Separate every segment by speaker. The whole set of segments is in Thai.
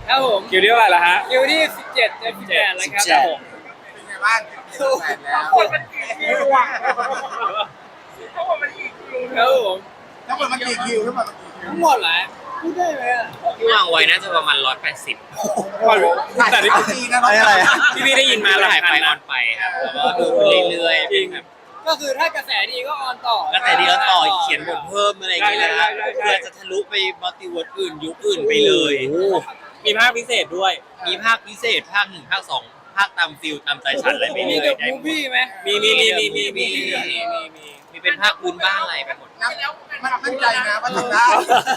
Speaker 1: ครับผม
Speaker 2: คิวที่เท่าไหร่ละฮะ
Speaker 1: คิวที่17เดือน18แล้วครับ
Speaker 2: ครับผม
Speaker 3: เป็นไงบ้างแฟนแล้ว
Speaker 1: คนมันคิวอ่ะทั้งหมดมันกี่คิวครับผม
Speaker 3: ทั้งหมดมันกี่คิวทั้งหมดมันกี่คิว
Speaker 1: ทั้งหมดเหรอพูดได้ไหมอ่ะ
Speaker 4: ที่วางไว้น่าจะประมาณ180
Speaker 2: แต่ที่
Speaker 3: ดีนะน้องอะไร
Speaker 2: พี่ได้ยินมาหลา
Speaker 4: ถ่าย ย
Speaker 2: พั
Speaker 4: ไป
Speaker 2: น
Speaker 4: ออ
Speaker 2: นะ
Speaker 4: นไปครับแล้วก็ดูเรื่อยๆเป็นแบบ
Speaker 1: ก็คือถ้ากระแสดีก็ออนต่อ
Speaker 4: ก็แต่เดียวต่อเขียนบทเพิ่มอะไรอย่างเงี้ยนะเพื่อจะทะลุไปมัลติเวิร์สอื่นยุคอื่นไปเลย
Speaker 2: มีภาคพิเศษด้วย
Speaker 4: มีภาคพิเศษภาค1ภาค2ภาคตามฟิลตามใจฉันอะไรไป
Speaker 1: มี
Speaker 4: เรื่อย
Speaker 1: กับมูฟี่ไหม
Speaker 2: มี
Speaker 4: มีเป็นภาคพื้นบ้านอะไรไปหมด
Speaker 3: มันตั้งใจนะว่าทำได้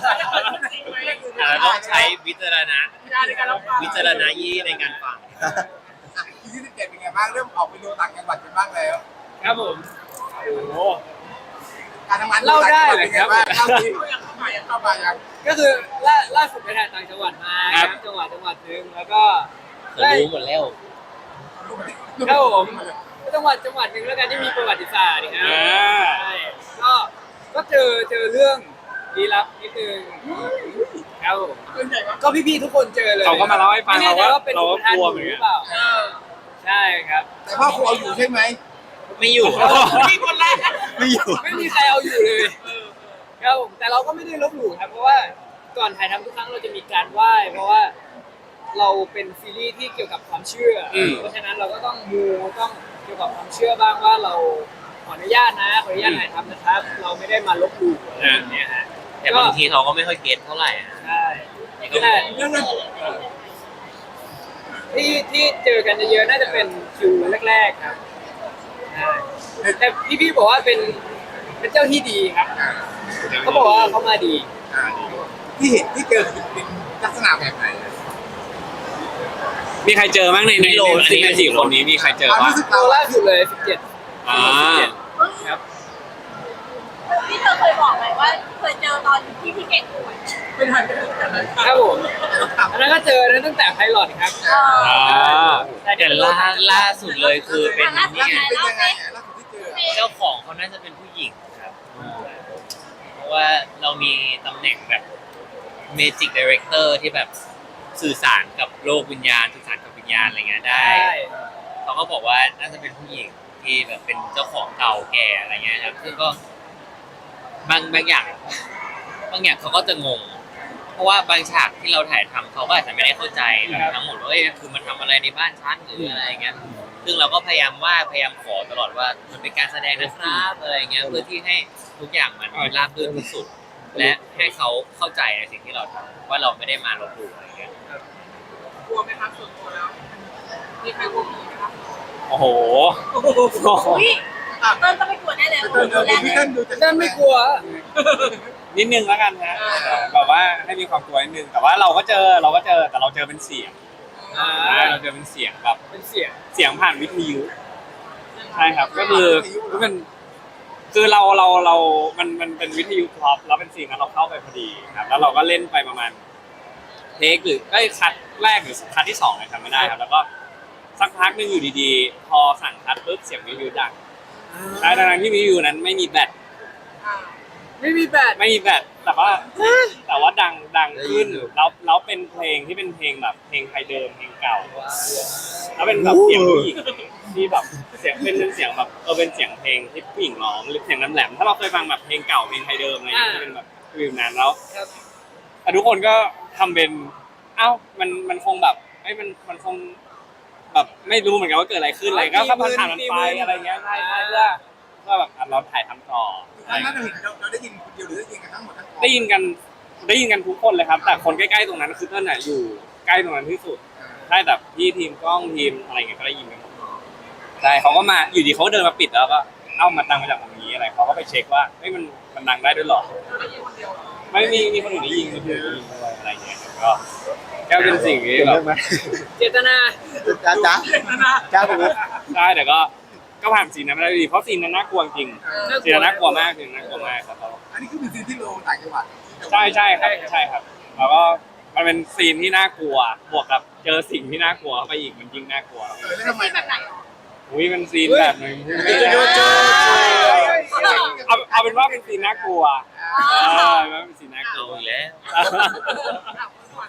Speaker 4: ต้องใช้วิจารณญาณในการฟัง
Speaker 3: คิวที่17เป็นไงบ้างเริ่มออกไปดูต่างจังหวัดกันบ้างแล้ว
Speaker 1: ครับผม
Speaker 2: โอ้โห
Speaker 3: การทำงาน
Speaker 1: เล่าได้เลยครับ
Speaker 3: เล่าดิยังเข้ามายัง
Speaker 1: ก็คือล่าสุดไปถ่ายต่างจังหวัดมาครับจังหวัดหนึ่งแล้วก็
Speaker 4: รู้หมดแล้ว
Speaker 1: ครับผมจังหวัดหนึ่งแล้วกันที่มีประวัติศาสตร์นะครับใช่ก็เจอเรื่องลี้ลับนิดนึงครับผมก็พี่ๆทุกคนเจอเลย
Speaker 2: เขาก็มาเล่าให้ฟัง
Speaker 1: ไม่แน่ใจ
Speaker 2: เรา
Speaker 1: ว่าเป็น
Speaker 2: ก็
Speaker 1: คนทาน
Speaker 2: กลัว
Speaker 1: ห
Speaker 2: เหมือน
Speaker 1: รื
Speaker 2: กั
Speaker 1: อน เปล่าใช่ครับ
Speaker 3: แต่พ่อครูเอาอยู่ใช่ไหม
Speaker 4: ไม่อยู่
Speaker 1: นี่คนแรก
Speaker 4: ไม่อยู่
Speaker 1: ไม่มีใครเอาอยู่เลยครับผมแต่เราก็ไม่ได้ลบหลู่ครับเพราะว่าก่อนถ่ายทำทุกครั้งเราจะมีการไหว้เพราะว่าเราเป็นซีรีส์ที่เกี่ยวกับความเชื่ออเพราะฉะนั้นเราก็ต้องต้องเกี่ยวกับความเชื่อบ้างว่าเราขออนุญาตถ่ายทำนะครับ เราไม่ได้มาลบหลู่อะไรอย่างเงี้ยฮะ
Speaker 4: แต่บางทีเขาก็ไม่ค่อยเก็ตเท่าไหร่อะ
Speaker 1: ใช่แต่เรื่องที่เจอกันเยอะๆน่าจะเป็นคิวแรกๆครับใช่แต่พี่บอกว่าเป็นเจ้าที่ดีครับเขาบอกว่าเขามาดี
Speaker 3: ที่เห็นที่เจอเป็นลักษณะแบบไหน
Speaker 2: มีใครเจอบ้างใน4 คนนี้มีใครเจอ
Speaker 3: ความ
Speaker 2: บ้าง
Speaker 3: รู้สึก
Speaker 1: เรา
Speaker 3: เรา
Speaker 1: ล่าสุดเลย17
Speaker 2: อ่า
Speaker 1: ครับ
Speaker 5: พี่เธอเคยบอกไหมว่าเคยเจอตอนที่พี่เก่งป่วย
Speaker 3: ไม่ทันกันเลย
Speaker 1: ครับผมอันนั้นก็เจอตั้งแต่ไพลอตครับ
Speaker 2: อ่า
Speaker 4: แต่ล่าสุดเลยคือเป็น
Speaker 3: ล่า
Speaker 4: นี่
Speaker 3: สุด
Speaker 4: ไง
Speaker 3: เป็นยังไงล่าสุดที่เจอ
Speaker 4: เจ้าของเขาน่าจะเป็นผู้หญิงครับเพราะว่าเรามีตำแหน่งแบบ Magic Director ที่แบบสื่อสารกับโลกวิญญาณสื่อสารกับวิญญาณอะไรเงี้ยได้ เขาก็บอกว่าน่าจะเป็นผู้หญิงที่แบบเป็นเจ้าของเก่าแก่อะไรเงี้ยครับซึ่งก็บางอย่างเขาก็จะงง เพราะว่าบางฉากที่เราถ่ายทำเขาก็อาจจะไม่ได้เข้าใจแบบทั้งหมดว่าคือมันทำอะไรในบ้านฉันหรืออะไรเงี้ยซึ่งเราก็พยายามขอตลอดว่ามันเป็นการแสดงนะครับอะไรเงี้ยเพื่อที่ให้ทุกอย่างมันราบรื่นที่สุด และให้เขาเข้าใจในสิ่งที่เราทำว่าเราไม่ได้มาลบหลู่อะไรเงี้ย
Speaker 1: กลัวไหมครับส่วนตัวแล้วมีใครกลัวผีไหมครับ
Speaker 2: โอ้โห
Speaker 5: อุ้ยเติ้ลก็ไม่กลัวแน่เลย
Speaker 3: เดินดูพี่เต้นดูจะ
Speaker 1: นั่นไม่กลัว
Speaker 2: นิดนึงแล้วกันฮะแบบว่าให้มีความกลัวนิดนึงแต่ว่าเราก็เจอแต่เราเจอเป็นเสียงเราเจอเป็นเสียงแบบ
Speaker 1: เป็นเสียง
Speaker 2: เสียงผ่านวิทยุใช่ครับก็คือมันคือมันเป็นวิทยุท็อปแล้วเป็นซีนนั้นเราเข้าไปพอดีครับแล้วเราก็เล่นไปประมาณเทคหรือคัดแรกหรือคัดที่2เลยทำไม่ได้ครับแล้วก็สักพักนึงอยู่ดีๆพอสั่งคัดปุ๊บเสียงวิทยุดังใช่ดังที่วิทยุนั้นไม่มีแบต
Speaker 1: ไม่มีแบต
Speaker 2: ไม่มีแบตแต่ว่าดังขึ้นแล้วเป็นเพลงที่เป็นเพลงแบบเพลงไทยเดิมเพลงเก่าแล้วเป็นแบบเสียงผู้หญิงที่แบบเสียงเป็นเสียงแบบเป็นเสียงเพลงที่ผู้หญิงร้องหรือเสียงแหลมๆถ้าเราเคยฟังแบบเพลงเก่าเพลงไทยเดิมอะไรอย่างเงี้ยจะเป็นแบบฟิลนั้นแล้วแต่ทุกคนก็ทำเป็นมันคงแบบมันคงแบบไม่รู้เหมือนกันว่าเกิดอะไรขึ้นอะไรก็ผ่านมันไปอะไรเงี้ยใช่เพื่อแบบเราถ่ายทำต่อ
Speaker 3: ตอนนั้นเราเห็นเราได้ยินคนเดียวหรือได้ยินกันทั้งหมดทั้งกอง
Speaker 2: ได้ยินกันทุกคนเลยครับ แต่คนใกล้ๆตรงนั้นคือเต้นน่ะอยู่ใกล้ตรงนั้นที่สุดใช่แต่พี่ทีมกล้องทีมอะไรเงี้ยก็ได้ยินกันหมดใช่เขาก็มาอยู่ดีเขาเดินมาปิดแล้วก็มาดังมาจากตรงนี้อะไรเขาก็ไปเช็คว่ามันดังได้ด้วยหรอไม่มีคนอื่นได้ยินคนอื่นได้ยินด้วยอะไรเงี้ยก็เป็นสิ่งที่แบบ
Speaker 1: เจตนา
Speaker 3: จ้าผม
Speaker 2: ได้แต่ก็ผ่านซีนนั้นไม่ได้ดีเพราะซีนนั้นน่ากลัวจริงซีนนั้นน่ากลัวมากครับ
Speaker 3: อันนี้คือเป็นซีนที่ลงต่างจังหวัด
Speaker 2: ใช่ครับแล้วก็มันเป็นซีนที่น่ากลัวบวกกับเจอสิ่งที่น่ากลัวเข้าไปอีกมันยิ่งน่ากลัว
Speaker 3: แล้วทำไม
Speaker 5: แบบไหน
Speaker 2: อุ้ยมันซีนแบบนึงเอาเป็นว่าเป็นซีนน่ากลัวว่าเป็นซีนน่ากลั
Speaker 4: เอา
Speaker 2: ว
Speaker 4: อีกแล้ว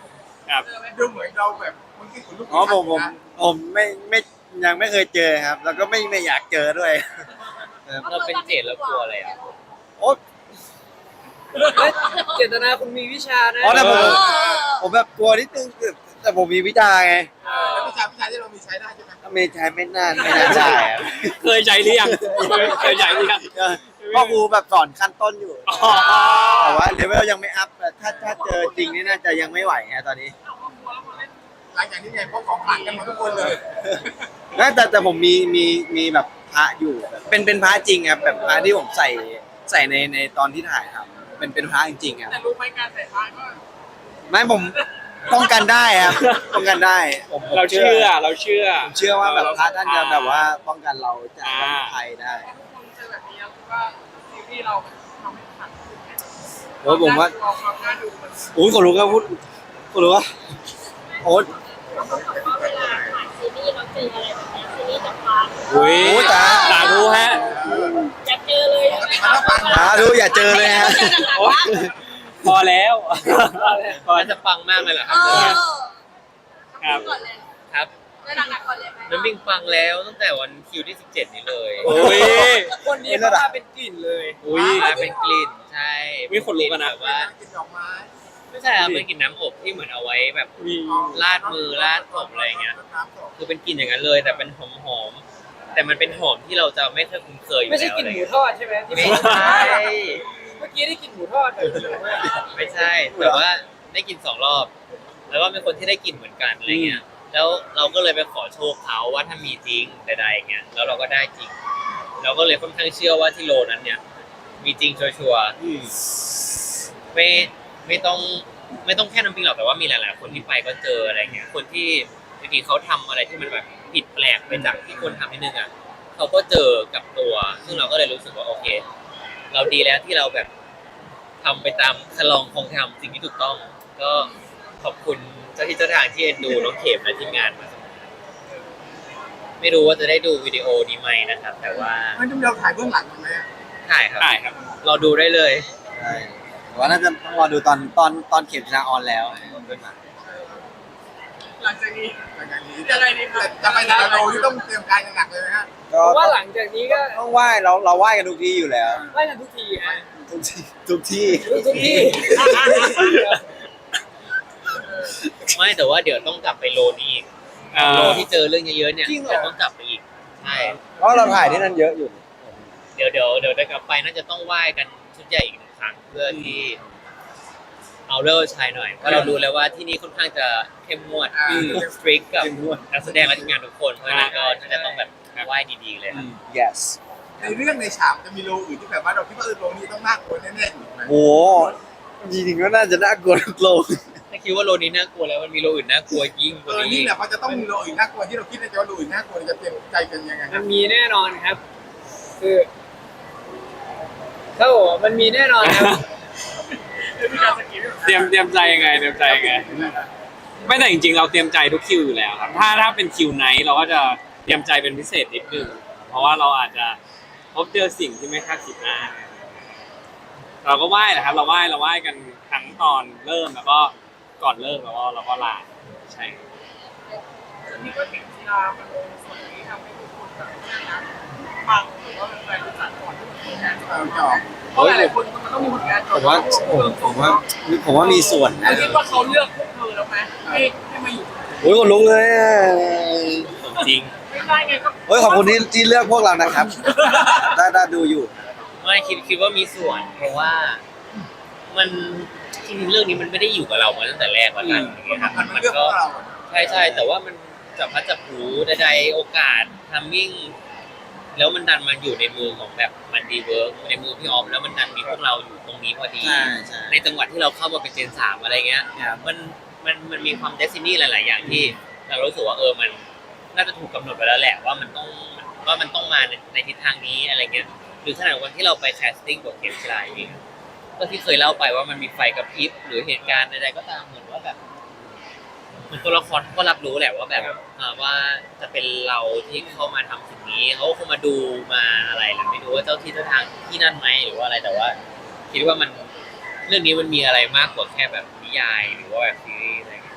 Speaker 2: ครับ
Speaker 3: ดูเหมือนเราแบบมันคิดถึงลูก
Speaker 6: อ๋อผมไม่ยังไม่เคยเจอครับ แล้วก็ไม่อยากเจอด้วย
Speaker 4: เราเป็นเจดแล้วกลัวอะไรอ่ะ
Speaker 6: โอ๊ต
Speaker 1: เฮ้ยเจตนาคุณมีวิชานะ
Speaker 6: อ๋อแต่ผม
Speaker 5: เออ
Speaker 6: ผมแบบกลัวนิดนึงแต่ผมมีวิชาไง
Speaker 3: แล้ววิชาที่เรามีใช้ได้ใช่ไหม
Speaker 6: ถ้าไม่ใช้ไม่น่าได้ครับ
Speaker 2: เคยใจหรือยังเคยใจหรือยัง
Speaker 6: พ่อครูแบบสอนขั้นต้นอยู่
Speaker 2: อ๋อ
Speaker 6: แต่ว่าเลเวลยังไม่อัพถ้าเจอจริงนี่น่าจะยังไม่ไหวไงตอนนี้
Speaker 3: หลังจากนี้ไงพวกของขลังกันหมดทุกคนเลย
Speaker 6: แต่ผมมีแบบพระอยู่เป็นพระจริงครับแบบพระที่ผมใส่ในตอนที่ถ่ายครับเป็นพระจริงๆครับ
Speaker 3: แต่รู้ไหมการใส่พานก็
Speaker 6: ไม่ผมป้องกันได้ครับป้องกันได้ผม
Speaker 2: เราเชื่อเราเชื่อ
Speaker 6: ผมเชื่อว่าแบบพระท่านจะแบบว่าป้องกันเราจากภัยได้
Speaker 3: ทุกคนเจอแบบนี้แล้วคิดว่าซีรีส์เราทำให้ขัง
Speaker 6: โอ้ยผมว่า
Speaker 3: ความน่าดูมัน
Speaker 6: อุ้ยขนลุกครับพูดขนลุกว่าโอ๊ต
Speaker 5: เขาบอกว่าเวลาถ่ายซีรีส์เราเจออะไรแบบนี้ซีรีส์จะฟัง
Speaker 2: อุ้ย
Speaker 6: โอ้ยตา
Speaker 2: สาธุฮะ
Speaker 5: อยากเจอเลยใช่ไหมคะ
Speaker 6: ดูอย่าเจอเลยฮะ
Speaker 2: โอ๊ยพอแล้ว
Speaker 4: มันจะปังมากเลยเหรอค
Speaker 5: เอ
Speaker 4: รับ
Speaker 5: อ
Speaker 2: ครับ
Speaker 5: ก่อนเลย
Speaker 4: ครับ
Speaker 5: แล้วหนักๆก่อนเลยไหม
Speaker 4: น้ำบิงปังแล้วตั้งแต่วันคิวที่ 17 นี้เลย
Speaker 2: โอ้ย
Speaker 1: คนนี้เขามาเป็นกลิ่นเลย
Speaker 2: อุ้ย
Speaker 4: มาเป็นกลิ่นใช่
Speaker 2: มีคนรู้กันนะ
Speaker 4: แบบว่า
Speaker 3: กินดอกไม้
Speaker 4: ไม่ใช่ครับเป็นกลิ่นน้ำอบที่เหมือนเอาไว้แบบ
Speaker 2: มี
Speaker 4: ลาดมือลาดผมอะไรอย่างเงี้ย
Speaker 3: น้ำศพ
Speaker 4: คือเป็นกลิ่นอย่างนั้นเลย แต่เป็นหอมๆแต่มันเป็นหอมที่เราจะไม่เคยคุ้นเคยอยู่
Speaker 1: ไม่ใช่
Speaker 4: แล้ว
Speaker 1: กลิ่น
Speaker 4: อะไร
Speaker 1: หมู
Speaker 4: เงี้ย
Speaker 1: ทอดใช่ไหมที่
Speaker 4: ไม่
Speaker 1: บอก
Speaker 4: ใช่
Speaker 1: เมื่อกี้ได้กลิ่นหมูทอดเลย
Speaker 4: ไม่ใช่แต่ว่าได้กิน2 รอบ แล้วก็มีคนที่ได้กินเหมือนกันอะไรเงี้ยแล้วเราก็เลยไปขอโชคเขาว่าถ้ามีจริงใดๆเงี้ยแล้วเราก็ได้จริง เราก็เลยค่อนข้างเชื่อว่าที่โลนั้นเนี่ย มีจริงชัวร์ๆไม่ต้องแค่น้ำพริกหรอกแต่ว่ามีหลายๆคนที่ไปก็เจออะไรเงี้ยคนที่บางทีเขาทำอะไรที่มันแบบผิดแปลกไปจากที่คนทำนิดนึงอ่ะเขาก็เจอกับตัว ซึ่งเราก็เลยรู้สึกว่าโอเค เราดีแล้วที่เราแบบทำไปตามคลองคงทำสิ่งที่ถูกต้อง ก็ขอบคุณเจ้าที่เจ้าทางที่เอ็นดูน้องเข็มและทีมงานมาไม่รู้ว่าจะได้ดูวิดีโอนี้ไหมนะครับ แต่ว่า
Speaker 3: มันจะเราถ่ายเบื้องหลังมันไหม
Speaker 4: ถ่ายครับ
Speaker 2: ได้ครับ
Speaker 4: เราดูได้เลย
Speaker 6: ใช่แต่ว่าน่าจะต้องรอดูตอนเข็มชนะออนแล้วขึ้นมา
Speaker 3: หลังจากนี้จะไงดีครับจะไปแต่ละโลที่ต้องเตรียมการหนักเลยไหมฮะ
Speaker 6: ก็
Speaker 1: เพราะว่าหลังจากนี้ก็
Speaker 6: ต้องไหว้เราไหว้กันทุกที่อยู่แล้ว
Speaker 1: ไล่กันทุกทีฮะ
Speaker 6: ทุกที่ทุกที่
Speaker 1: ทุกที่
Speaker 4: ไม่แต่ว่าเดี๋ยวต้องกลับไปโลนี้อีกโลที่เจอเรื่องเยอะๆเนี่ยเดี๋ยวต้องกลับไปอีกใช่
Speaker 6: เพราะเราถ่ายที่นั่นเยอะอยู่
Speaker 4: เดี๋ยวได้กลับไปน่าจะต้องไหว้กันชุดใหญ่อีก1 ครั้งเพื่อที่เอาเลิกชายหน่อยเพราะเรารู้แล้วว่าที่นี่ค่อนข้างจะเข้มงวดสตริกกับนักแสดงและทีมงานทุกคนเพราะฉะนั้นก็น่าจะต้องแบบไหว้ดีๆเลยครับ
Speaker 6: yes
Speaker 3: ในเรื่องในฉากจะมีโลอื่นที่แบบว่าเราคิดว่าโลนี้ต้องน่ากลัวแน่ๆอยู่ไหม
Speaker 6: โหจริงๆก็น่าจะน่ากลัวทุกโลก
Speaker 4: ถ้าคิดว่าโลนี้น่ากลัวแล้วมันมีโลอื่นน่ากลัวยิ่งกว่า
Speaker 3: นี่
Speaker 4: นี้
Speaker 3: แหละเขาจะต้องมีโลอื่นน่ากลัวที่เราคิดในใจว่าโลอื่นน่ากลัวจะเตรียมใจกันยังไงค
Speaker 1: มั
Speaker 3: รับ
Speaker 1: นมีแน่นอนครับ คือเขาบอกว่ามันมีแน่นอนครับ
Speaker 2: เตรียมใจยังไงเตรียมใจยังไง ไม่แต่จริงๆเราเตรียมใจทุกคิวอยู่แล้วครับถ้าเป็นคิวไนท์เราก็จะเตรียมใจเป็นพิเศษนิดนึงเพราะว่าเราอาจจะพบเจอสิ่งที่ไม่คาดคิดมาเราก็ไหว้แหละครับเราไหว้กันทั้งตอนเริ่มแล้วก็ก่อนเริ่มแล้วก็เราก็ลาใช่
Speaker 3: นี่ก็เห็นกีฬามันลงส่วนนี้ทำให้ทุกคนแบบฟังหรือว่าเป็นแฟนรู้จักก่อนที่จะมีงานจองเพราะหลายคนมันต้องมีผลงานจ
Speaker 6: ผ
Speaker 3: อง
Speaker 6: มว่าผมว่ามีส่วนนะ
Speaker 3: คิดว่าเขาเลือกพวกเธอแล้วไหมให้มาอยู่
Speaker 6: โอ้ยคนลุกเลยอะ
Speaker 4: ของจริง
Speaker 3: ไม่ได้ไงก็
Speaker 6: โอ้ยขอบคุณที่เลือกพวกเรานะครับได้ดูอยู่
Speaker 4: ไม่คิดว่ามีส่วน เพราะว่ามันจริงๆเรื่องนี้มันไม่ได้อยู่กับเรามาตั้งแต่แรกแล้วกันอย่างเงี้ยครับ
Speaker 3: มัน
Speaker 4: มัน
Speaker 3: เลือกพ
Speaker 4: ก็
Speaker 3: วกเรา
Speaker 4: ใช่แต่ว่ามันจับพลัดจับผลูใดๆโอกาสทัมมิ่งแล้วมันดันมาอยู่ในมือของแบบมันดีเวิร์กในมือพี่ออมแล้วมันดันมีพวกเราอยู่ตรงนี้พอดี
Speaker 6: ใช่
Speaker 4: ในจังหวัดที่เราเข้ามาเป็นเจน3อะไรเงี้ย
Speaker 6: ครับ
Speaker 4: มันมีความเดซินี่หลาย ๆ อย่างที่เรารู้สึกว่ามันน่าจะถูกกำหนดไปแล้วแหละว่ามันต้องมาในทิศทางนี้อะไรเงี้ยหรือขนาดวันที่เราไปแคสติ้งบทเข็มชลายเองก็ที่เคยเล่าไปว่ามันมีไฟกระพริบหรือเหตุการณ์ใดๆก็ตามเหมือนว่าแบบเหมือนตัวละครเขาก็รับรู้แหละว่าแบบว่าจะเป็นเราที่เข้ามาทำสิ่งนี้เขาคงมาดูมาอะไรแหละไม่รู้ว่าเจ้าที่เจ้าทางที่นั่นไหมหรือว่าอะไรแต่ว่า คิดว่ามันเรื่องนี้มันมีอะไรมากกว่าแค่แบบนิยายหรือว่าแบบซีรีส์อะไรเงี้ย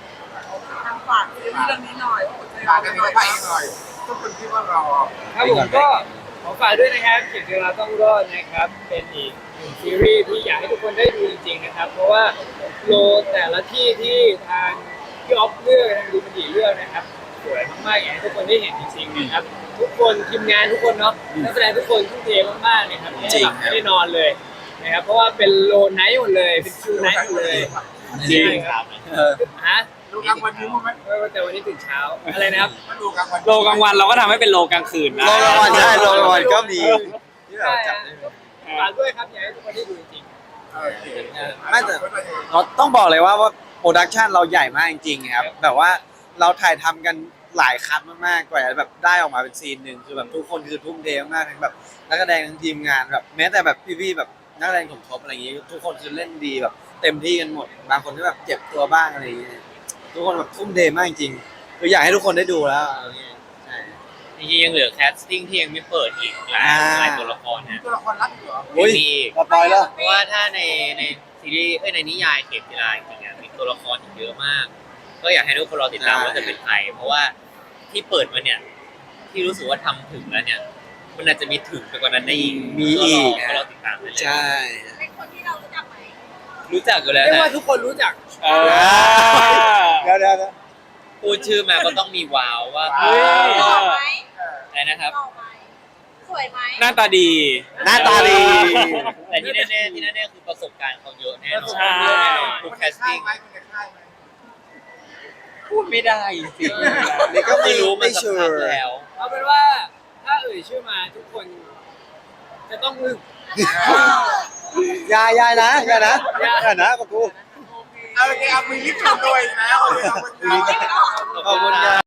Speaker 3: ทางฝากซีรีส์เรื่องนี้หน่อยว่าหัวใจเราเป็นยังไง
Speaker 7: ทุกคนคิดว่าเรา
Speaker 1: ครับผมก็ขอฝากด้วยนะครับเขียนเวลาต้องรอดนะครับ เป็นอีกหนึ่งซีรีส์ที่อยากให้ทุกคนได้ดูจริงๆนะครับ เพราะว่าโลแต่ละที่ที่ทางพี่ออฟเลือกทางดูมันดีเลือกนะครับสวยมากๆอยากให้ทุกคนได้เห็นจริงๆนะครับ ทุกคนทีมงานทุกคนเนาะนักแสดงทุกคนทุ่มเทมากๆนะครับไม่ได้หลับไม่ได้นอนเลยนะครับเพราะว่าเป็นโลไนท์หมดเลยเป็นคิวไนท์หมดเลย
Speaker 2: จริง
Speaker 1: ครับ ฮะ
Speaker 7: ดูกลางวันนี้มั้ย
Speaker 1: แต่วันนี้ตื่นเช้าอะไรนะครับ
Speaker 7: มาดูกลางวัน
Speaker 2: โลกลางวันเราก็ทำให้เป็นโลกลางคืนนะ
Speaker 6: โลกลางวันใช่โลกลางวันก็มีที่แบบ
Speaker 1: ใช่
Speaker 6: จับ
Speaker 1: ฮะ
Speaker 6: ได้
Speaker 1: ฝากด้วยครับอยากให้ทุกคนได้ดูจริง
Speaker 7: โอเค
Speaker 6: ไม่แต่เราต้องบอกเลยว่าโปรดักชันเราใหญ่มากจริงๆครับแบบว่าเราถ่ายทำกันหลายคัดมากๆกว่าจะแบบได้ออกมาเป็นซีนหนึ่งคือแบบทุกคนคือทุ่มเทมากทั้งแบบนักแสดงทั้งทีมงานแบบแม้แต่แบบพี่ๆแบบนักแสดงสมทบอะไรอย่างงี้ทุกคนคือเล่นดีแบบเต็มที่กันหมดบางคนก็แบบเจ็บตัวบ้างอะไรอย่างเงี้ยทุกคนแบบทุ่มเทมากจริงๆคืออยากให้ทุกคนได้ดูแล้วอะไรอย่างเงี้ยใช่
Speaker 4: จริงๆยังเหลือแคสติ้งที่ยังไม่เปิดอีกหลายตัวละครนะ
Speaker 7: ตัวละครรักอยู่เหรอ
Speaker 6: อุ้ย
Speaker 4: มีอีก
Speaker 6: สปอยแล้ว
Speaker 4: เพราะว่าถ้าในซีรีส์ในนิยายเข็มกีฬาจริงๆมีตัวละครอีกเยอะมาก ก็อยากให้ทุกคนรอติดตามว่าจะเป็นใครเพราะว่าที่เปิดมาเนี่ยที่รู้สึกว่าทำถึงแล้วเนี่ยมันอาจจะมีถึงไปกว่านั้นได้อีก
Speaker 6: มีอีก
Speaker 4: ก็รอติดตามได้เลย
Speaker 6: ใช่
Speaker 5: เป็นคนที่เรารู้จักไหม
Speaker 4: รู้จักอยู่
Speaker 1: ๆ
Speaker 4: แล้ว
Speaker 1: เรียก
Speaker 4: นะ
Speaker 1: ว่าทุกคนรู้จัก
Speaker 2: เออ
Speaker 6: เดี๋ยว
Speaker 4: พูดชื่อมาก็ต้องมีว้าวว่า
Speaker 2: เฮ้ย
Speaker 5: หล่อไหม
Speaker 4: อะไรนะครับ
Speaker 5: หล่อไหมสวยไหม
Speaker 2: หน้าตาดี
Speaker 6: หน้าตาดี
Speaker 4: แต่ที่แน่ๆคือประสบการณ์เขาเยอะแน่นอน
Speaker 2: ใช่
Speaker 4: ทุก
Speaker 7: มัน
Speaker 4: แค
Speaker 7: จะ
Speaker 4: ส
Speaker 7: ค่าย
Speaker 4: ติ้ง
Speaker 7: ไหมมันจะค่ายไหม
Speaker 4: พูดไม่ได้สิ
Speaker 6: นี่ก็
Speaker 4: ไม่รู้มัน
Speaker 6: ไม่
Speaker 4: สั
Speaker 6: ชั
Speaker 4: ก
Speaker 6: ว
Speaker 4: พัก
Speaker 6: ร์
Speaker 4: แล้ว
Speaker 1: เอาเป็นว่าถ้าเอ่ยชื่อมาทุกคนจะต้องอึ้ง
Speaker 6: ยายนะอย่านะกับกู
Speaker 7: เอาโอเคเอามือลิฟต์ชมด้วยนะเอาเลยเอามือลิฟต์
Speaker 6: ขอบคุณครับ